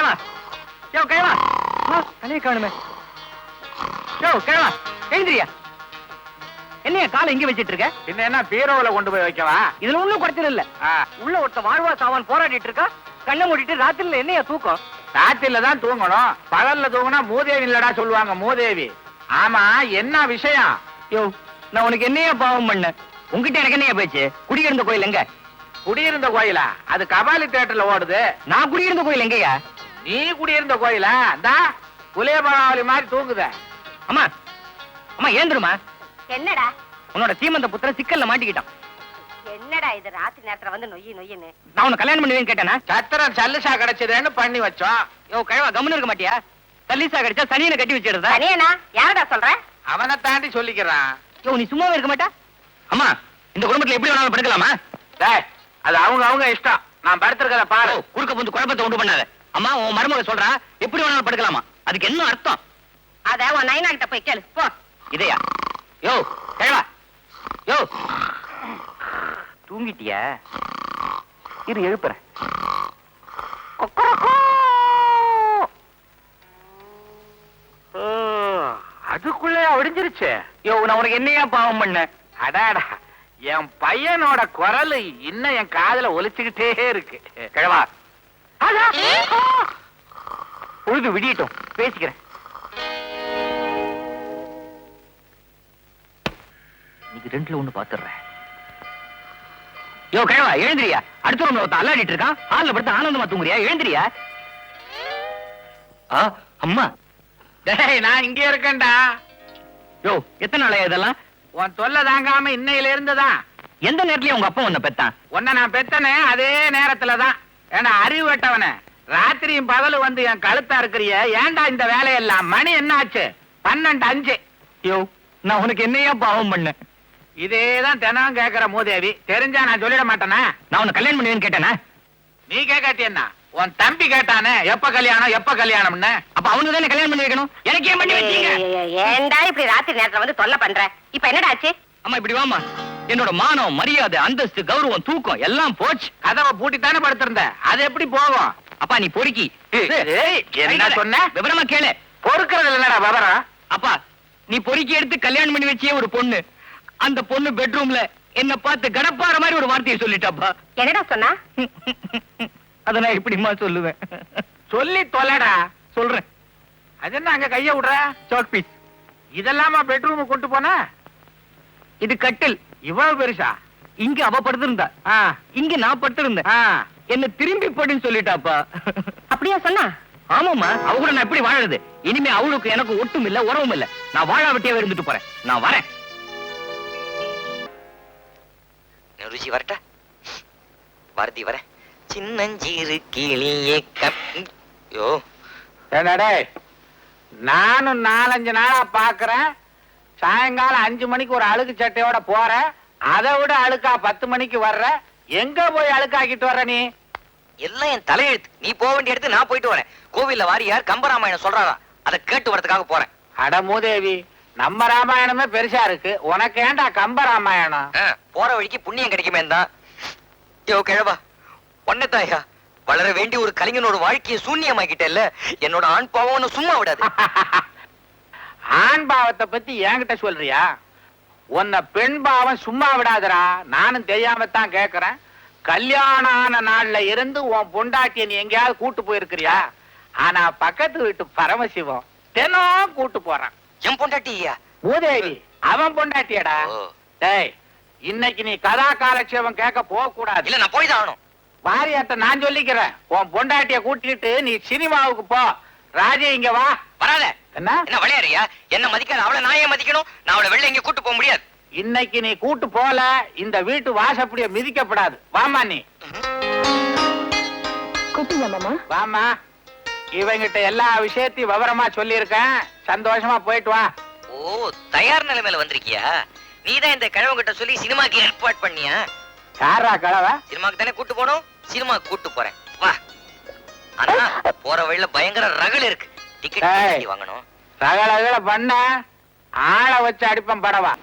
கிழவா யோ கிழவா தனியே காணுமே யோ கிழவா எழுந்திரியா என்னைய காலை இங்க வச்சிட்டு இருக்க பின்ன என்ன பீரோவுல கொண்டு போய் வைக்கவா இதுல ஒண்ணும் குறைச்சல் இல்ல உள்ள ஒருத்த வாழ்வா சாவான் போராடிட்டு இருக்கா கண்ணை மூடிட்டு ராத்திரில என்னைய தூக்கம் ராத்திரில தான் தூங்கணும் பகல்ல தூங்கினா மூதேவி இல்லடா சொல்லுவாங்க மூதேவி ஆமா என்ன விஷயம் யோ நான் உனக்கு என்னையா பாவம் பண்ண உங்ககிட்ட எனக்கு என்னையா பேச்சு குடியிருந்த கோயில் எங்க குடியிருந்த கோயிலா அது கபாலி தியேட்டர்ல ஓடுது நான் குடியிருந்த கோயில் எங்கயா நீ குடியிருந்த கோயிலா இந்தா குலேபராவளி மாதிரி தூங்குத அம்மா அம்மா ஏந்துருமா என்னடா உன்னோட சீமந்த புத்திர சிக்கல்ல மாட்டிக்கிட்டான் என்னடா இது ராத்திரி நேரத்துல வந்து நொய்யி நொய்யின்னு நான் உன்னை கல்யாணம் பண்ணுவேன்னு கேட்டேனா சத்திரம் சல்லுசா கிடைச்சதுன்னு பண்ணி வச்சோம் யோ கிழவா கம்முன்னு இருக்க மாட்டியா தள்ளிசா கிடைச்சா சனியனை கட்டி வச்சிடுறதா தனியனா யாரடா சொல்ற அவனை தாண்டி சொல்லிக்கிறான் யோ நீ சும்மாவே இருக்க மாட்டா அம்மா இந்த குடும்பத்துல எப்படி வேணாலும் படுக்கலாமா டேய் அது அவங்க இஷ்டம் நான் படுத்திருக்கத பாரு குறுக்க வந்து குழப்பத்தை உண்டு பண்ணாத அம்மா உன் மருமக சொல்றா எப்படி வேணாலும் படுக்கலாமா அதுக்கு என்ன அர்த்தம் அத உன் நைனா கிட்ட போய் கேளு போ இதையா யோ கிழவா யோ தூங்கிட்டியா இரு எழுப்புறேன் அதுக்குள்ளே ஒடிஞ்சிருச்சு யோ நான் உனக்கு என்னையா பாவம் பண்ண அடாடா என் பையனோட குரல் இன்னும் என் காதுல ஒலிச்சுக்கிட்டே இருக்கு கிழவா பொழுது விடியட்டும் பேசிக்கிறேன் இன்னைக்கு ரெண்டுல ஒண்ணு பாத்துறேன் யோ கிழவா எழுந்திரியா அடுத்த ரூம்ல ஒருத்தன் அல்லாடிட்டு இருக்கான் ஹால்ல படுத்து ஆனந்தமா தூங்குறியா எழுந்திரியா அம்மா டேய் நான் இங்கே இருக்கேன்டா யோ எத்தனை நாளையா இதெல்லாம் உன் தொல்லை தாங்காம இன்னையில இருந்துதான் எந்த நேரத்துலயும் உங்க அப்பா உன்னை பெத்தான் உன்னை நான் பெத்தனே அதே நேரத்துலதான் ஏன்னா அறிவு வெட்டவன ராத்திரியும் பகலு வந்து என் கழுத்தா இருக்கிறிய ஏன்டா இந்த வேலையெல்லாம் மணி என்ன ஆச்சு 12:05 யோ நான் உனக்கு என்னையா பாவம் பண்ண இதேதான் தினம் கேக்குற மூதேவி தெரிஞ்சா நான் சொல்லிட மாட்டேனா நான் உன்னை கல்யாணம் பண்ணுவேன்னு கேட்டேனா நீ கேட்காட்டி என்ன உன் தம்பி கேட்டானே எப்ப கல்யாணம்னு அப்ப அவனுக்கு தானே கல்யாணம் பண்ணி வைக்கணும் எனக்கு ஏன் பண்ணி வச்சீங்க ஏன்டா இப்படி ராத்திரி நேரத்துல வந்து தொல்லை பண்ற இப்ப என்னடா ஆச்சு அம்மா இப்படி வாமா என்னோட மானம் மரியாதை அந்தஸ்து கௌரவம் தூக்கம் எல்லாம் போச்சு கதவை பூட்டித்தானே படுத்திருந்த அது எப்படி போகும் அப்பா நீ பொறுக்கி என்ன சொன்ன விவரமா கேளு பொறுக்கிறது இல்லடா விவரம் அப்பா நீ பொறுக்கி எடுத்து கல்யாணம் பண்ணி வச்சியே ஒரு பொண்ணு அந்த பொண்ணு பெட்ரூம்ல என்ன பார்த்து கடப்பாற மாதிரி ஒரு வார்த்தையை சொல்லிட்டாப்பா என்னடா சொன்னா அத நான் எப்படிமா சொல்லுவேன் சொல்லி தொலைடா சொல்றேன் அது என்ன அங்க கைய விடுற சாக் பீஸ் இதெல்லாமா பெட்ரூம் கொண்டு போன இது கட்டில் இவ்வளவு பெருசா இங்க அவ படுத்திருந்தா இங்க நான் படுத்திருந்தேன் என்ன திரும்பி படுன்னு சொல்லிட்டாப்பா அப்படியா சொன்னா ஆமாமா அவ கூட நான் எப்படி வாழறது இனிமே அவளுக்கு எனக்கு ஒட்டும் இல்ல உறவும் இல்ல நான் வாழாவட்டியாவே இருந்துட்டு போறேன் நான் வரேன் ருச்சி வரட்டா பாரதி வர சின்னஞ்சீரு கிளியே யோ என்னடே நானும் 4-5 நாளா பாக்குறேன் சாயங்காலம் 5 மணிக்கு ஒரு அழுக்கு சட்டையோட போற அதை விட அழுக்கா 10 மணிக்கு வர்ற எங்க போய் அழுக்காக்கிட்டு வர்ற நீ எல்லாம் என் தலையெழுத்து நீ போக வேண்டிய இடத்து நான் போயிட்டு வரேன் கோவில்ல வாரியார் கம்பராமாயணம் சொல்றாரா அதை கேட்டு வரதுக்காக போறேன் அட மூதேவி நம்ம ராமாயணமே பெருசா இருக்கு உனக்கு ஏண்டா கம்ப ராமாயணம் போற வழிக்கு புண்ணியம் கிடைக்குமே தான் யோ கிழவா ஒன்னதாயா வளர வேண்டிய ஒரு கலைஞனோட வாழ்க்கையை சூன்யமாக்கிட்டேல்ல என்னோட ஆண் பாவம் சும்மா விடாது ஆண் பாவத்தை பத்தி என்கிட்ட சொல்றியா உன்னை பெண் பாவம் சும்மா விடாதரா நானும் தெரியாமத்தான் கேக்குறேன் கல்யாணம் ஆன நாள்ல இருந்து உன் பொண்டாட்டிய நீ எங்கேயாவது கூட்டு போயிருக்கிறியா ஆனா பக்கத்து வீட்டு பரமசிவம் தினம் கூட்டு போறான் என் பொண்டாட்டியா மூதேவி அவன் பொண்டாட்டியடா டேய் இன்னைக்கு நீ கதா காலட்சேபம் கேட்க போக கூடாது இல்ல நான் போய் தான் ஆகணும் வாரியாட்ட நான் சொல்லிக்கிறேன் உன் பொண்டாட்டிய கூட்டிட்டு நீ சினிமாவுக்கு போ ராஜே இங்க வா வராத என்ன என்ன விளையாடுறியா என்ன மதிக்காத அவளை நான் ஏன் மதிக்கணும் நான் அவளை வெளில எங்க கூட்டு போக முடியாது இன்னைக்கு நீ கூட்டு போல இந்த வீட்டு வாசப்படிய மிதிக்கப்படாது வாமா நீ கூப்பிடுங்க மாமா வாமா இவங்கிட்ட எல்லா விஷயத்தையும் விவரமா சொல்லியிருக்கேன் சந்தோஷமா போயிட்டு வா ஓ தயார் நிலைமையில வந்திருக்கியா நீதான் இந்த கிழவங்கிட்ட சொல்லி சினிமாக்கு ஏற்பாடு பண்ணியா யாரா கலவ சினிமாக்கு தானே கூட்டு போனோம் சினிமாக்கு கூட்டு போறேன் வா ஆனா போற வழியில பயங்கர ரகள் இருக்கு டிக்கெட் வாங்கணும் ரகள பண்ண ஆளை வச்சு அடிப்பேன் படவா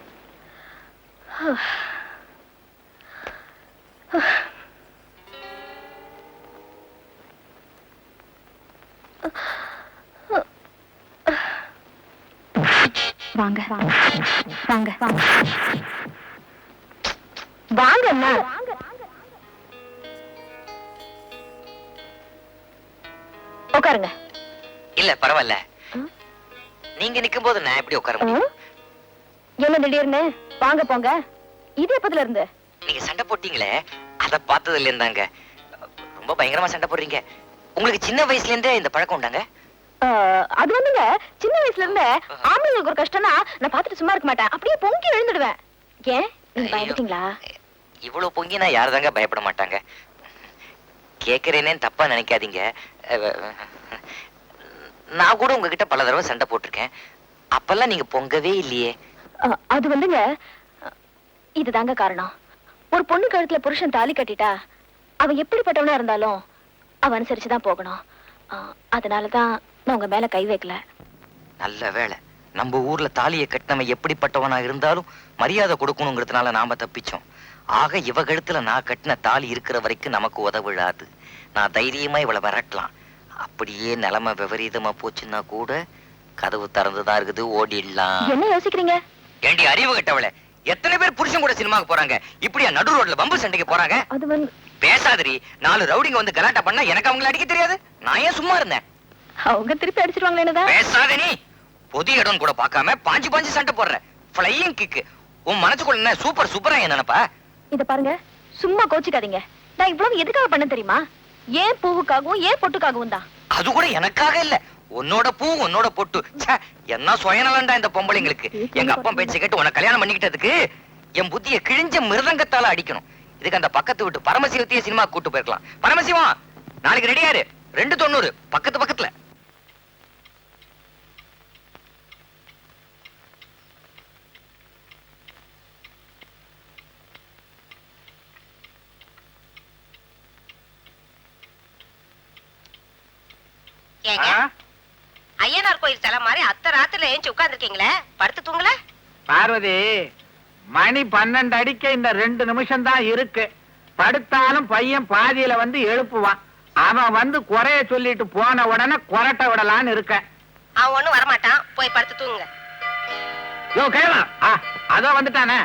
வாங்க வாங்க வாங்க வாங்க அண்ணா. உட்காருங்க. இல்ல பரவாயில்ல, நீங்க நிக்கும் போது நான் எப்படி உட்கார முடியும்? என்ன திடீர்னு வாங்க போங்க? இது எப்பத்துல இருந்து? நீங்க சண்டை போட்டீங்களே, அத பார்த்ததுல இருந்தாங்க. ரொம்ப பயங்கரமா சண்டை போடுறீங்க. உங்களுக்கு சின்ன வயசுல இருந்தே இந்த பழக்கம் உண்டாங்க? அது வந்துங்க, சின்ன வயசுல இருந்தே ஆம்பளைங்களுக்கு ஒரு கஷ்டம்னா நான் பார்த்துட்டு சும்மா இருக்க மாட்டேன், அப்படியே பொங்கி எழுந்துடுவேன். ஏன் நீங்க பயந்துட்டீங்களா? இவ்வளவு பொங்கி நான் யாருதாங்க பயப்பட மாட்டாங்க. கேக்குறேனேன்னு தப்பா நினைக்காதீங்க. நான் கூட உங்ககிட்ட பல தடவை சண்டை போட்டிருக்கேன். அப்பெல்லாம் நீங்க பொங்கவே இல்லையே. அது வந்துங்க, இதுதாங்க காரணம். ஒரு பொண்ணு கழுத்துல புருஷன் தாலி கட்டிட்டா அவன் எப்படிப்பட்டவனா இருந்தாலும் அவன் அனுசரிச்சுதான் போகணும். அதனாலதான் நான் உங்க மேல கை வைக்கல. நல்ல வேளை, நம்ம ஊர்ல தாலியை கட்டினவன் எப்படிப்பட்டவனா இருந்தாலும் மரியாதை கொடுக்கணுங்கிறதுனால நாம தப்பிச்சோம். ஆக இவ கழுத்துல நான் கட்டின தாலி இருக்கிற வரைக்கும் நமக்கு உதவிடாது. நான் தைரியமா இவளை விரட்டலாம். அப்படியே நிலைமை விபரீதமா போச்சுன்னா கூட கதவு திறந்துதான் இருக்குது, ஓடிடலாம். என்ன யோசிக்கிறீங்க? ஏண்டி அறிவு கட்டவளே, எத்தனை பேர் புருஷன் கூட சினிமாக்கு போறாங்க, இப்படியா நடு ரோட்ல பம்பு சண்டைக்கு போறாங்க? அது வந்து பேசாதரி. 4 ரவுடிங்க வந்து கலாட்டா பண்ணா எனக்கு அவங்களை அடிக்க தெரியாது. நான் ஏன் சும்மா இருந்தேன்? அவங்க திருப்பி அடிச்சிருவாங்களேன்னு. பேசாத நீ. பொது இடம் கூட பார்க்காம பாஞ்சு பாஞ்சு சண்டை போடுற. Flying kick. உன் மனசுக்குள்ள என்ன சூப்பர் சூப்பரா என்ன நினைப்பா? இத பாருங்க, சும்மா கோச்சிக்காதீங்க. நான் இவ்வளவு எதுக்காக பண்ண தெரியுமா? ஏன் பூவுக்காகவும் ஏன் பொட்டுக்காகவும் தான். அது கூட எனக்காக இல்ல, உன்னோட பூ உன்னோட பொட்டு. ச்சே, என்ன சுயநலம்டா இந்த பொம்பளைங்களுக்கு. எங்க அப்பா பேச்சை கேட்டு உன்னை கல்யாணம் பண்ணிக்கிட்டதுக்கு என் புத்திய கிழிஞ்ச மிருதங்கத்தால அடிக்கணும். இதுக்கு அந்த பக்கத்து விட்டு பரமசிவத்தையே சினிமா கூட்டு போயிருக்கலாம். பரமசிவம், நாளைக்கு ரெடியாரு. 290 பக்கத்து பக்கத்துல. ஐயனார் கோயில் தலை மாதிரி அத்தை ராத்திரில ஏஞ்சி உட்கார்ந்துருக்கீங்களே, படுத்து தூங்கல? பார்வதி, மணி 12 அடிக்க இந்த 2 நிமிஷம் தான் இருக்கு. படுத்தாலும் பையன் பாதியில வந்து எழுப்புவான். அவன் வந்து குறைய சொல்லிட்டு போன உடனே கொரட்டை விடலான்னு இருக்க. அவன் ஒண்ணும் வரமாட்டான், போய் படுத்து தூங்குங்க. யோ கேளா, அதோ வந்துட்டானே.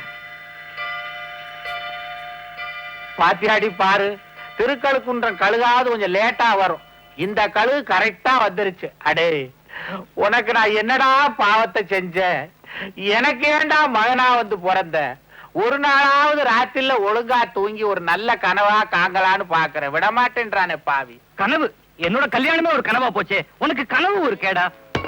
பாத்தியாடி பாரு, திருக்கழுக்குன்றம் கழுகாவது கொஞ்சம் லேட்டா வரும். இந்த கழுகு கரெக்டா வந்துருச்சு. அடே, உனக்கு நான் என்னடா பாவத்தை செஞ்சேன்? எனக்கு ஏண்டா மகனா வந்து பிறந்த? ஒரு நாளாவது ராத்திரில ஒழுங்கா தூங்கி ஒரு நல்ல கனவா காங்கலான்னு பாக்குறேன், விடமாட்டேன்றானே பாவி. கனவு? என்னோட கல்யாணமே ஒரு கனவா போச்சே, உனக்கு கனவு ஒரு கேடா?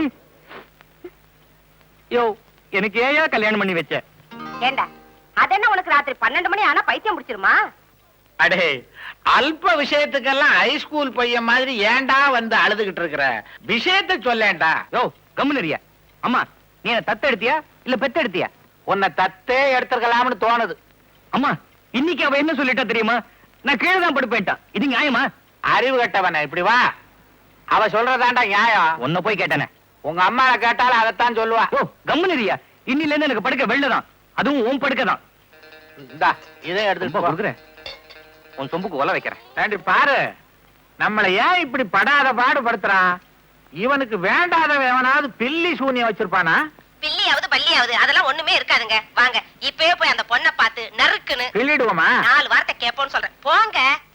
யோ, எனக்கு ஏயா கல்யாணம் பண்ணி வச்ச? ஏண்டா, அதென்ன உனக்கு ராத்திரி 12 மணி ஆனா பைத்தியம் முடிச்சிருமா? அடே, அல்ப விஷயத்துக்கெல்லாம் ஹைஸ்கூல் பையன் மாதிரி ஏண்டா வந்து அழுதுகிட்டு இருக்கிற? விஷயத்தை சொல்லேன்டா. யோ, கம்முனரியா. அம்மா, நீ என்ன தத்து எடுத்தியா இல்ல பெத்து எடுத்தியா? உன்னை தத்தே எடுத்துக்கலாம்னு தோணுது. அம்மா, இன்னைக்கு அவ என்ன சொல்லிட்டா தெரியுமா? நான் கீழே தான் படுப்பேன்ட்டான். இது நியாயமா? அறிவு கட்டவன, இப்படி வா. அவ சொல்றதாண்டா நியாயம். உன்னை போய் கேட்டானே. உங்க அம்மாவை கேட்டாலும் அதைத்தான் சொல்லுவா. ஓ, கம்முனரியா. இன்னில இருந்து எனக்கு படுக்க வெள்ளதான், அதுவும் உன் படுக்க தான். இந்தா, இதை எடுத்துட்டு போ. கொடுக்குறேன், உன் சொம்புக்கு ஒல வைக்கிறேன். ஏண்டி பாரு, நம்மளை ஏன் இப்படி படாத பாடுபடுத்துறான்? இவனுக்கு வேண்டாதவன் எவனாவது பில்லி சூனியம் வச்சிருப்பானா? பில்லியாவது பள்ளியாவது அதெல்லாம் ஒண்ணுமே இருக்காதுங்க. வாங்க இப்பவே போய் அந்த பொண்ணை பார்த்து நறுக்குன்னு பில்லிடுவோமா? 4 வார்த்தை கேட்போம்னு சொல்றேன். போங்க.